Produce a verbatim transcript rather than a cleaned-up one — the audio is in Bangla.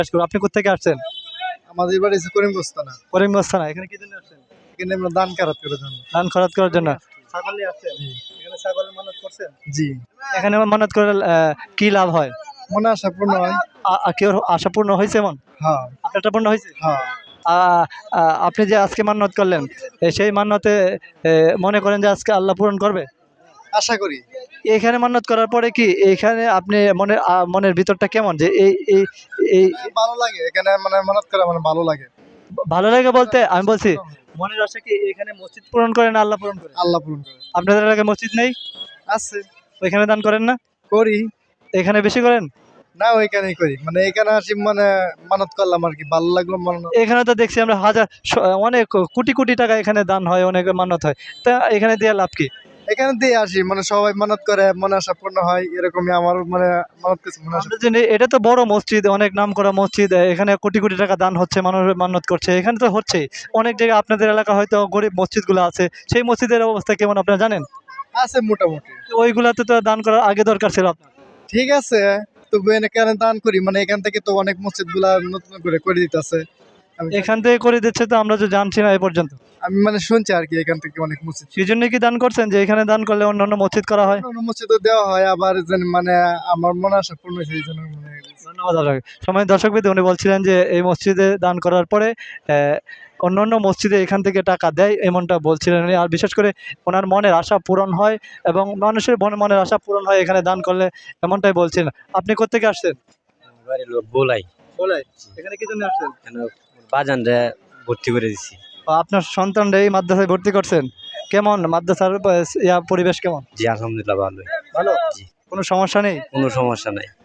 আপনি কোথেকে আসছেন? আমাদের বাড়ি হচ্ছে করিমগঞ্জ থানা। করিমগঞ্জ থানা। এখানে কি জন্য আসছেন? এখানে আমরা দান কারাত করার জন্য। ধান খরচ করার জন্য। ছাগল নিয়ে আসছেন? এখানে ছাগলের মানত করছেন? জি। এখানে মানত করলে আহ, কি লাভ হয়? মনে আশা পূর্ণ হয়। আ- আ- কেউ আশা পূর্ণ হয়েছে এমন? হ্যাঁ আপনারটা পূর্ণ হয়েছে? হ্যাঁ। আ- আ- আপনি যে আজকে মান্যত করলেন, এ, সেই মান্যতে এ, মনে করেন যে আজকে আল্লাহ পূরণ করবে? আশা করি। এখানে মান্যত করার পরে কি এখানে আপনি মনের আ, মনের ভিতরটা কেমন যে এই এই এই ভালো লাগে এখানে মানে মানত করা মানে ভালো লাগে। ভালো লাগে বলতে আমি বলছি মনের আশা কি এখানে মসজিদ পূরণ করে না আল্লাহ পূরণ করে? আল্লাহ পূরণ করে। আপনাদের এলাকায় মসজিদ নেই? আছে। ওইখানে দান করেন না? করি। এখানে বেশি করেন? না ওইখানেই করি মানে এখানে আসি মানে মানত করলাম আর কি ভালো লাগলো মানত। এখানে তো দেখছি আমরা হাজার শ- অনেক কোটি কোটি টাকা এখানে দান হয়, অনেক মানত হয়, তা এখানে দিয়ে লাভ কি? এখানে দিয়ে আসি মানে সবাই মানত করে মনে আশা পূর্ণ হয় এরকমই আমার মানে মানত করছে মনে আশা। আমরা জানি এটা তো বড় মসজিদ, অনেক নাম করা মসজিদ, এখানে কোটি কোটি টাকা দান হচ্ছে, মানুষ মান্যত করছে, এখানে তো হচ্ছে। অনেক জায়গায় আপনাদের এলাকা হয়তো গরিব মসজিদগুলো আছে, সেই মসজিদের অবস্থা কেমন আপনারা জানেন? আছে মোটামুটি। তো ওইগুলাতে তো দান করার আগে দরকার ছিল আপনার। ঠিক আছে তবু এখানে দান করি মানে এখান থেকে তো অনেক মসজিদ গুলা নতুন করে করে দিতেছে। এখান থেকে করে দিচ্ছে তো আমরা তো জানছি না এ পর্যন্ত। আমি মানে শুনছি আর কি এখান থেকে অনেক মসজিদ সেই জন্য কি দান করছেন যে এখানে দান করলে অন্যান্য মসজিদ করা হয়? অন্য মসজিদও দেওয়া হয় আবার যেন মানে আমার মনে আশা পূর্ণ হয়েছে এই জন্য মনে হয়। ধন্যবাদ আপনাকে। সময় দর্শক বিন্দু, উনি বলছিলেন যে এই মসজিদে দান করার পরে আহ, অন্যান্য মসজিদে এখান থেকে টাকা দেয়, এমনটা বলছিলেন উনি। আর বিশেষ করে ওনার মনের আশা পূরণ হয় এবং মানুষের মনে মনের আশা পূরণ হয় এখানে দান করলে, এমনটাই বলছিলেন। আপনি কোত্থেকে আসছেন? বাড়ির লোক বলাই বলাই। এখানে কি জন্য আসছেন? কেন বাজানরে ভর্তি করে দিছি। ও, আপনার সন্তানরা এই মাদ্রাসায় ভর্তি করছেন? কেমন মাদ্রাসার আহ, ইয়া পরিবেশ কেমন? জি আলহামদুলিল্লাহ ভালোই। ভালো? জি কোনো সমস্যা নেই? কোনো সমস্যা নাই।